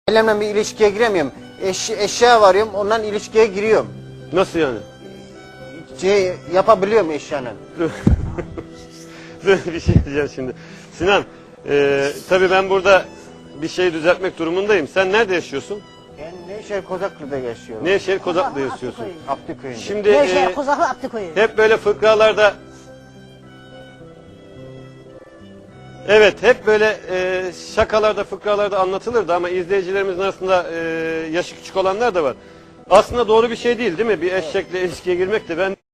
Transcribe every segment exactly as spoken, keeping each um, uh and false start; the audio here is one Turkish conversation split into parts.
Ailemle bir ilişkiye giremiyorum. Eş, eşya varıyorum, ondan ilişkiye giriyorum. Nasıl yani? Şey yapabiliyorum eşyanın. Dur bir şey diyeceğim şimdi. Sinan, e, tabii ben burada bir şey düzeltmek durumundayım. Sen nerede yaşıyorsun? Ben Nevşehir Kozaklı'da yaşıyorum. Nevşehir Kozaklı'da yaşıyorsun. Abdüköy'ünde. Şimdi Nevşehir e, Kozaklı Abdükoyu. hep böyle fıkralarda... Evet, hep böyle e, şakalarda, fıkralarda anlatılırdı ama izleyicilerimizin arasında e, yaşı küçük olanlar da var. Aslında doğru bir şey değil, değil mi? Bir eşekle ilişkiye girmek de ben...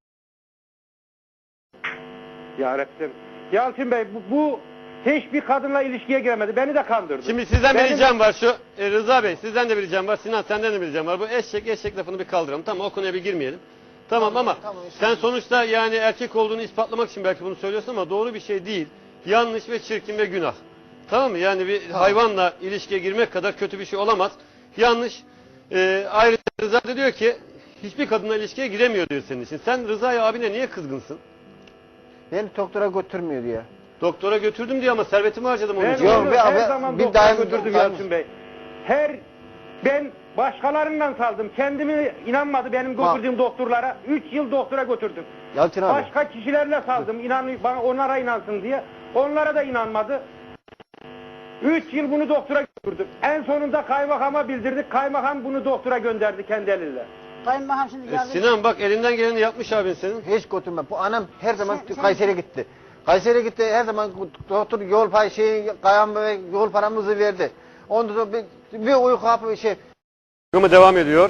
Ya Rabbim. Yalçın Bey bu, bu hiçbir kadınla ilişkiye giremedi. Beni de kandırdı. Şimdi sizden bir Benim- ricam var şu, e, Rıza Bey sizden de bir ricam var, Sinan senden de bir ricam var. Bu eşek eşek lafını bir kaldıralım. Tamam, o konuya bir girmeyelim. Tamam, ama tamam, sen sonuçta yani erkek olduğunu ispatlamak için belki bunu söylüyorsun ama doğru bir şey değil. Yanlış ve çirkin ve günah. Tamam mı? Yani bir hayvanla ilişkiye girmek kadar kötü bir şey olamaz. Yanlış. E, ayrıca Rıza da diyor ki hiçbir kadınla ilişkiye giremiyor diyor senin için. Sen Rıza'ya abine niye kızgınsın? Beni doktora götürmüyor diye. Doktora götürdüm diyor ama servetimi harcadım onun Ben için. Yok, onu bir- her bir- zaman bir doktora daim- götürdüm daim- Yalçın Bey. Her ben başkalarından saldım. Kendimi inanmadı benim Bak. götürdüğüm doktorlara. Üç yıl doktora götürdüm. Yalçın abi. Başka kişilerle saldım. İnan, bana onlara inansın diye. Onlara da inanmadı. Üç yıl bunu doktora götürdüm. En sonunda kaymakama bildirdik. Kaymakam bunu doktora gönderdi kendi eliyle. Kayınmaham şimdi E, geldi. Sinan bak elinden geleni yapmış abin senin. Hiç götürme. Bu anam her zaman Sen- sen- Kayseri'ye gitti. Kayseri'ye gitti, her zaman doktor yol pay şey kayam ve yol paramızı verdi. Ondan sonra bir, bir uyku hapı şey. Programı devam ediyor.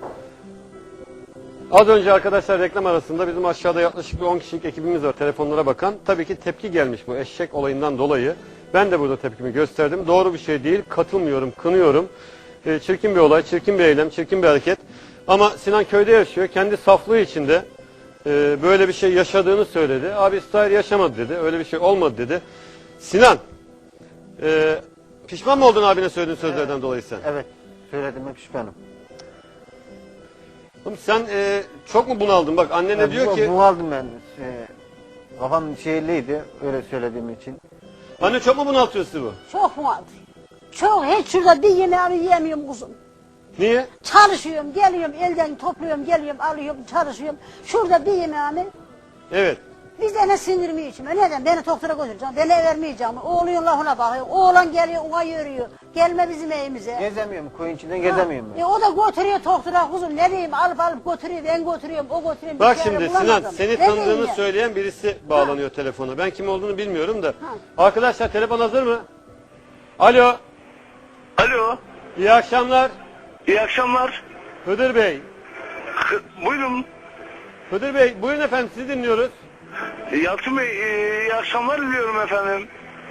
Az önce arkadaşlar reklam arasında bizim aşağıda yaklaşık bir on kişilik ekibimiz var telefonlara bakan. Tabii ki tepki gelmiş bu eşek olayından dolayı. Ben de burada tepkimi gösterdim. Doğru bir şey değil. Katılmıyorum, kınıyorum. E, çirkin bir olay, çirkin bir eylem, çirkin bir hareket. Ama Sinan köyde yaşıyor. Kendi saflığı içinde e, böyle bir şey yaşadığını söyledi. Abi İsrail yaşamadı dedi. Öyle bir şey olmadı dedi. Sinan, e, pişman mı oldun abine söylediğin sözlerden dolayı sen? Evet, söylediğime pişmanım. Oğlum sen e, çok mu bunaldın? Bak annen ne diyor bu, ki... Bu aldım ben. Şey, kafam şeyliydi öyle söylediğim için. Anne çok mu bunaltıyor sizi bu? Çok mu aldı? Çok, hiç şurada bir yemeğimi yiyemiyorum kuzum. Niye? Çalışıyorum, geliyorum, elden topluyorum, geliyorum, alıyorum, çalışıyorum. Şurada bir yemeğimi, Evet. biz de ne sinirimi içime. Neden? Beni doktora götüreceğim, beni vermeyeceğim. Oğlun lafına bakıyor, oğlan geliyor, ona yürüyor. Gelme bizim evimize. Gezemiyorum, koyun içinden gezemiyorum ben. E, o da götürüyor doktora kuzum, ne diyeyim, alıp alıp götürüyor, ben götürüyorum, o götürüyor. Bak bir çare şimdi Sinan bulamadım. seni Ne tanıdığını diyeyim ya? söyleyen birisi bağlanıyor telefona. Ben kim olduğunu bilmiyorum da. Arkadaşlar telefon hazır mı? Alo. Alo, İyi akşamlar. iyi akşamlar. Hıdır Bey. Hı, Buyurun. Hıdır Bey buyurun efendim sizi dinliyoruz. Yalçın Bey, e, iyi akşamlar diliyorum efendim.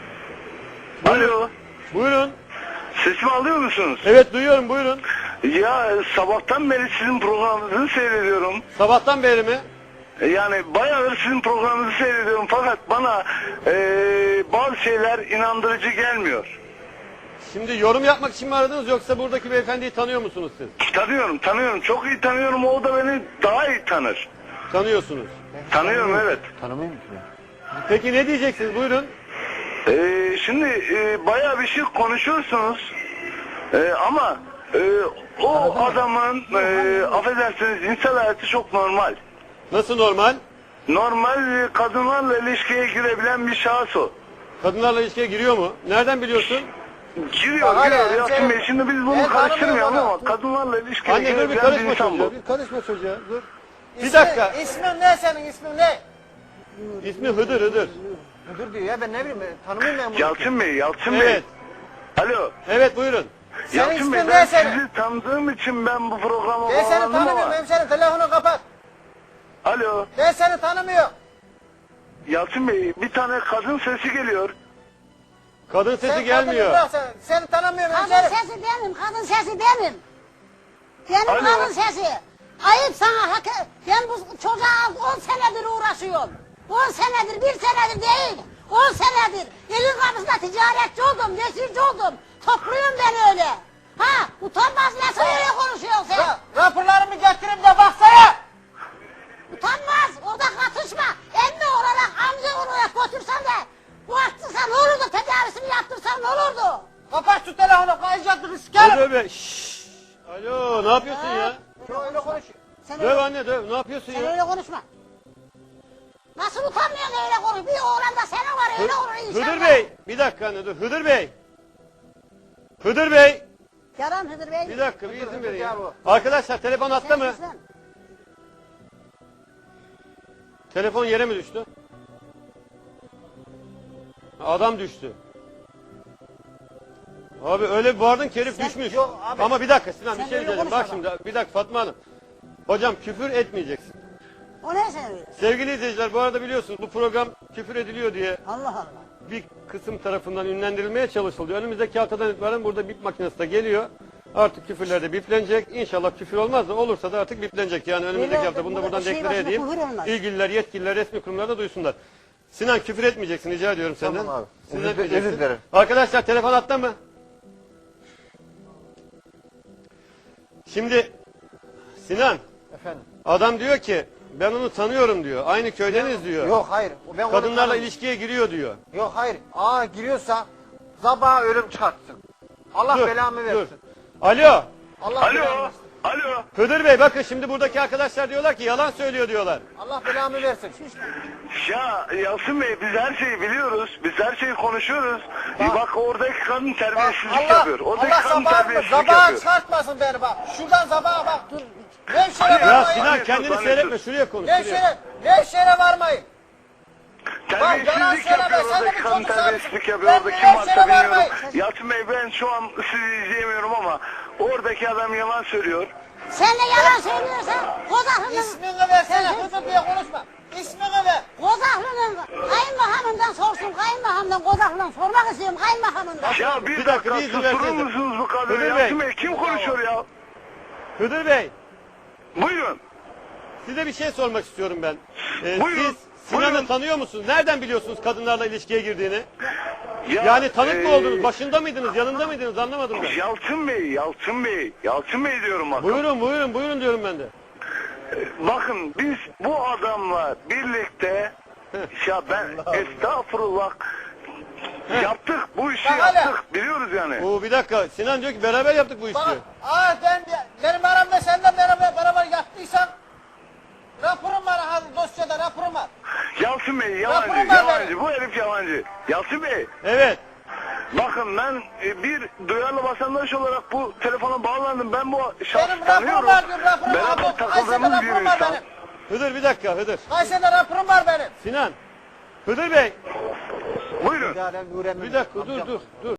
Buyurun. Alo, Buyurun. sesimi alıyor musunuz? Evet duyuyorum buyurun. Ya sabahtan beri sizin programınızı seyrediyorum. Sabahtan beri mi? E, Yani bayağıdır sizin programınızı seyrediyorum fakat bana e, bazı şeyler inandırıcı gelmiyor. Şimdi yorum yapmak için mi aradınız yoksa buradaki beyefendiyi tanıyor musunuz siz? Tanıyorum, tanıyorum. Çok iyi tanıyorum. O da beni daha iyi tanır. Tanıyorsunuz. Tanıyorum, evet. Tanımıyor musun? Peki ne diyeceksiniz buyurun. Ee, şimdi e, bayağı bir şey konuşuyorsunuz Ee, ama e, o adamın e, affedersiniz insan hayatı çok normal. Nasıl normal? Normal e, kadınlarla ilişkiye girebilen bir şahıs o. Kadınlarla ilişkiye giriyor mu? Nereden biliyorsun? Giriyor, Bak, giriyor. hala Yalçın sen- Bey, şimdi biz bunu Ben karıştırmayalım tanımıyorum ama kadınlarla ilişkiye Anne dur bir girebilen bir karışma insan çocuğa. bu. Bir karışma çocuğa dur. Bir İsmi- dakika. İsmin ne senin, ismin ne? İsmi Hıdır Hıdır. Müdür diyor ya, ben ne bileyim, ben tanımıyorum ben bunu. Yalçın Bey, Yalçın Evet. Bey. Alo. Evet buyurun. Senin Yalçın Bey, ismin ben ne senin? sizi tanıdığım için ben bu programa Ben seni bağlandım tanımıyorum ama. hemşerim, telefonu kapat. Alo. Ben seni tanımıyorum. Yalçın Bey, bir tane kadın sesi geliyor. Kadın sesi Sen gelmiyor. kadını bırak, sen, seni tanımıyorum Kadın hemşerim. sesi benim, kadın sesi benim. Benim Alo. kadın sesi. Ayıp sana, hak ben bu çocuğa on senedir uğraşıyorum. On senedir, bir senedir değil. On senedir. Elin kapısında ticaretçi oldum, nesirci oldum. Topluyorum ben öyle. Ha, utanmaz nasıl öyle konuşuyorsun sen? Ra raporlarımı getirip de baksana. Utanmaz, orada katışma. Emmi olarak, amca olarak götürsen de bu arttırsan ne olurdu, tedavisini yaptırsan ne olurdu? Kapat şu telefonu, kayacaktık sikerim. Hadi be. Şşş. Alo, ne yapıyorsun ya? Öyle konuş. Sen Döv öyle, anne döv. Ne yapıyorsun sen ya? öyle konuşma. Nasıl utanmıyorsun öyle konuş? Bir oğlan da senin var öyle olur inşallah. Hıdır Bey, bir dakika anne dur. Hıdır Bey. Hıdır Bey. Yalan Hıdır Bey. Bir dakika bir izin verin ya. gel bu. Arkadaşlar telefon hatta mı? Sen- Telefon yere mi düştü? Adam düştü. Abi öyle bir bağırdın ki herif Sen- düşmüş. Yok abi. Ama bir dakika Sinan Sen bir şey öyle diyeceğim. Bak konuşma şimdi bir dakika Fatma Hanım. Hocam küfür etmeyeceksin. O ne sen öyle? Sevgili izleyiciler bu arada biliyorsunuz bu program küfür ediliyor diye Allah Allah. bir kısım tarafından ünlendirilmeye çalışılıyor. Önümüzdeki haftadan itibaren burada bip makinesi de geliyor. Artık küfürler de biplenecek. İnşallah küfür olmaz da olursa da artık biplenecek. Yani önümüzdeki Öyle hafta bunu da oldu. buradan Şey deklare başına edeyim. küfür olmaz. İlgililer, yetkililer, resmi kurumlar da duysunlar. Sinan küfür etmeyeceksin rica ediyorum senden. Tamam abi. Siz Özür- etmeyeceksin. özür dilerim. Arkadaşlar telefon hatta mı? Şimdi Sinan Efendim. adam diyor ki ben onu tanıyorum diyor. Aynı köydeniz diyor. Yok hayır. Ben onu Kadınlarla tanımam. ilişkiye giriyor diyor. Yok hayır. Aa giriyorsa sabaha ölüm çıkartsın. Allah Dur, belamı dur. versin. Alo. Allah belamı Alo, versin. alo. Hıdır Bey bakın şimdi buradaki arkadaşlar diyorlar ki yalan söylüyor diyorlar. Allah belamı versin. Ya Yasin Bey biz her şeyi biliyoruz. Biz her şeyi konuşuyoruz. Bak, bak oradaki kadın terbiyesizlik Allah, yapıyor. Oradaki Allah kadın sabahını terbiyesizlik sabaha yapıyor. çıkartmasın beni bak. Şuradan sabaha bak. Dur. Nevşehir'e Ya Ya varmayın. Sinan Tanıyorsun, kendini tanıyorsun. seyretme şuraya konuş. Şuraya. Nevşehir'e, Nevşehir'e varmayın. yalan Terbiyesizlik söyleme, yapıyor. sen de Oradaki bir kadın çocuk terbiyesizlik sahibisin. yapıyor. Ben Orada bir kim varsa Nevşehir'e bilmiyorum. varmayın. Yasin Bey ben şu an sizi izleyemiyorum ama oradaki adam yalan söylüyor. Sen de yalan söylüyorsan Kozaklı'nın... İsmini versene. Sen- Hızır diye konuşma. İsmini ver. Kozaklı'nın kayınmahamından sorsun. Kayınmahamdan Kozaklı'ndan sormak istiyorum kayınmahamından. Ya bir, Bir dakika, dakika bir izin susturur versenize. musunuz bu kadını? Hıdır Bey. Yasin Bey kim konuşuyor ya? Hıdır Bey Buyurun. size bir şey sormak istiyorum ben. Ee, Buyurun, siz Sinan'ı buyurun. tanıyor musunuz? Nereden biliyorsunuz kadınlarla ilişkiye girdiğini? Ya, Yani tanık mı e, oldunuz? Başında mıydınız? Yanında mıydınız? Anlamadım ben. Yalçın Bey, Yalçın Bey, Yalçın Bey diyorum bakın. Buyurun buyurun buyurun diyorum ben de. Bakın biz bu adamla birlikte ya ben estağfurullah yaptık bu işi Bak hele. yaptık biliyoruz yani. Oo bir dakika Sinan diyor ki beraber yaptık bu işi Bak. diyor. Aa ben benim aramda senden beraber beraber yaptıysan raporum var ha dosyada raporum var. Yalçın Bey Raporum yalancı, var yalancı. benim. Bu herif yalancı. Yalçın Bey Evet. bakın ben e, bir duyarlı vatandaş olarak bu telefona bağlandım. Ben bu şahsı Benim raporum tanıyorum. var diyor raporum var. Beraber Kayseri'de takıldığımız bir raporum var insan. benim. Hıdır bir dakika Hıdır. Kayseri'de raporum var benim. Sinan. Hıdır Bey Buyurun. bir dakika dur dur dur.